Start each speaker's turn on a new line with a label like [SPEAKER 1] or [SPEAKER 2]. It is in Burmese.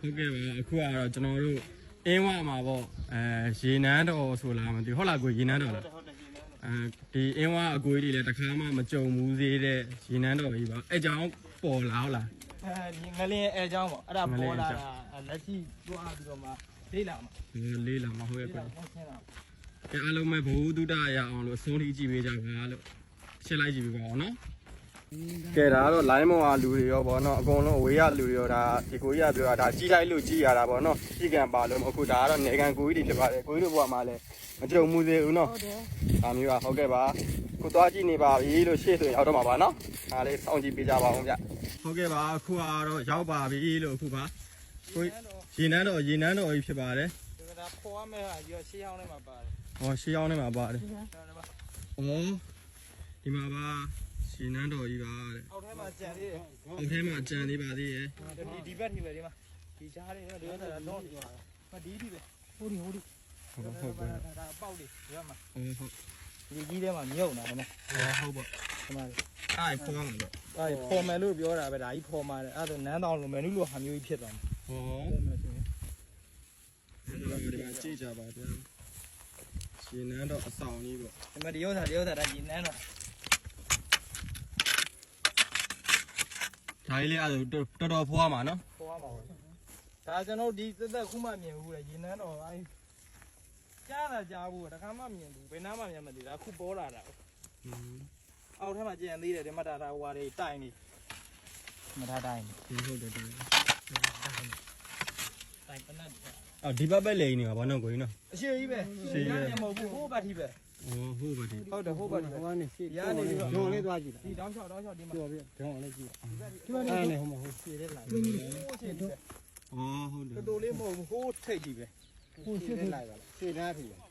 [SPEAKER 1] ဟုတ်ကဲ့ပါအခုကတော့ကျွန်တော်တို့အင်းဝမှာပေါ့ရေနန်းတော်ဆိုလားမသိဘူးဟုတ်လားကိုရေနန်းတော်လားဒီအင်းဝအကွေးတွေလည်းတစ်ခါမှမကြုံဘူးသေးတဲ့ရေနန်းတော်ကြီးပါအဲကြောင့်ပေါ်လာဟုတ်လား
[SPEAKER 2] ငလင်းအဲအကြောင်းပေါ့အဲ့ဒါပေါ်လာတာလက်ရှိတွားပြီးတော့မှလေးလာမှာ
[SPEAKER 1] လေးလာမှာဟုတ်ရဲ့ကွကဲအားလုံးပဲဘဝတုဒ္ဒရအောင်လို့အဆုံးထိကြည့်ပေးကြပါလို့ရှင်းလိုက်ကြည့်ပေးပါအောင်နော်ကဲဒါကတော့ line မောင်အားလူတွေရောဗောနော်အကုန်လုံးအဝေးရလူတွေရောဒါဒီကိုကြီးကပြောတာကြီးလိုက်လို့ကြီးရတာဗောနော်ကြီးကံပါလို့အခုဒါကတော့နေကံကိုကြီးတွေဖြစ်ပါတယ်ကိုကြီးတို့ဘဝမှာလည်းမကြုံမှုသေးဘူးနော်ဒါမျိုးပါဟုတ်ကဲ့ပါခုသွားကြည့်နေပါပြီလို့ရှေ့ဆိုရောက်တော့မှာပါနော်ဒါလေးစောင့်ကြည့်ပေးကြပါအောင်ဗျဟုတ်ကဲ့ပါအခုကတော့ရောက်ပါပြီလို့အခုပါကိုရေနန်းတော်ကြီးဖြစ်ပါတယ်
[SPEAKER 2] ဒါပေါ်ရမယ့်ဟာကြီးရှေးဟောင်းထဲမှာပါတယ်
[SPEAKER 1] ဟောရှေးဟောင်းထဲမှာပါတယ်ဒီမှာပါရှင်နန်းတော်ကြီးပါတဲ့
[SPEAKER 2] အောက်ထဲမှာကြံသေးတယ်
[SPEAKER 1] အောက်ထဲမှာကြံသေးပါသေးရဲ့
[SPEAKER 2] ဒီဘက်ထိပဲဒီမှာဒီချားတွေတော့ဒီဥစ္စာတော့ဒီပဲဟိုဒီ
[SPEAKER 1] ဟုတ်ပါ
[SPEAKER 2] ဒါပေါက်လေးဒီဘက်မှာ
[SPEAKER 1] ဟုတ်
[SPEAKER 2] ဒီကြီးထဲမှာမြုပ်နေတာနော်
[SPEAKER 1] ဟုတ်ပါ
[SPEAKER 2] ဒီမှာ
[SPEAKER 1] အဲ့ဖော်မှာတော့
[SPEAKER 2] အဲ့ဖော်မယ်လို့ပြောတာပဲဒါကြီးဖော်မှာတယ်အဲ့ဒါနန်းတော်လိုမယ်နုလိုဟာမျိုးကြီးဖြစ်သွားမှာ
[SPEAKER 1] ဟောဖော်မယ်ဆိုရင်ဒီမှာကြည့်ကြပါဗျာရှင်နန်းတော်အဆောင်ကြီးပေါ့
[SPEAKER 2] ဒီမှာဒီဥစ္စာဒါရှင်နန်းတော်
[SPEAKER 1] ဒါလေးအဲ့တော်တော်ဖွားမှာနော်
[SPEAKER 2] ဖွားမှာပါဒါကျွန်တော်ဒီသက်ခုမှမြင်ဘူးလေရေနန်းတော်အဲ့ကြားတာကြားဘူးတခါမှမြင်ဘူးဘယ်နားမှမြင်မသိဒါခုပေါ်လာတာအောက်ထဲမှာကြံသေးတယ်ဒီမှာဒါဟိုဟာတွေတိုင်နေမထားတိုင်
[SPEAKER 1] ဟုတ်တယ်တိုင်
[SPEAKER 2] ပနတ်
[SPEAKER 1] အော်ဒီဘက်ပဲလိန်နေပါဘာနော်ကိုကြီးနော်
[SPEAKER 2] အရှိကြီးပဲရှိရမဟုတ်ဘူးဟိုဘက်ထိပဲ
[SPEAKER 1] ဟုတ်ပါဒီ
[SPEAKER 2] ဟုတ်တယ်ဟိုဘက်ထိ
[SPEAKER 3] ဟိုကနေရှိ
[SPEAKER 2] ရနေပြီး
[SPEAKER 3] တော့လေးသွားကြည့်တာ
[SPEAKER 2] ဒီတောင်းလျှောက်ဒီမှာ
[SPEAKER 3] ပြောပြဒေါင်းလေးကြည့်ဒီမှာနေဟိုမှာဟို
[SPEAKER 2] ရှည်တဲ့လိုက်ဟိုရှည်တယ်
[SPEAKER 1] ဟုတ်တယ်
[SPEAKER 2] တော်တော်လေးမဟုတ်ဘူးဟိုထိတ်ကြီးပဲ
[SPEAKER 3] ဟိုရှည်လိုက်ပါလားရှည်သားပြီ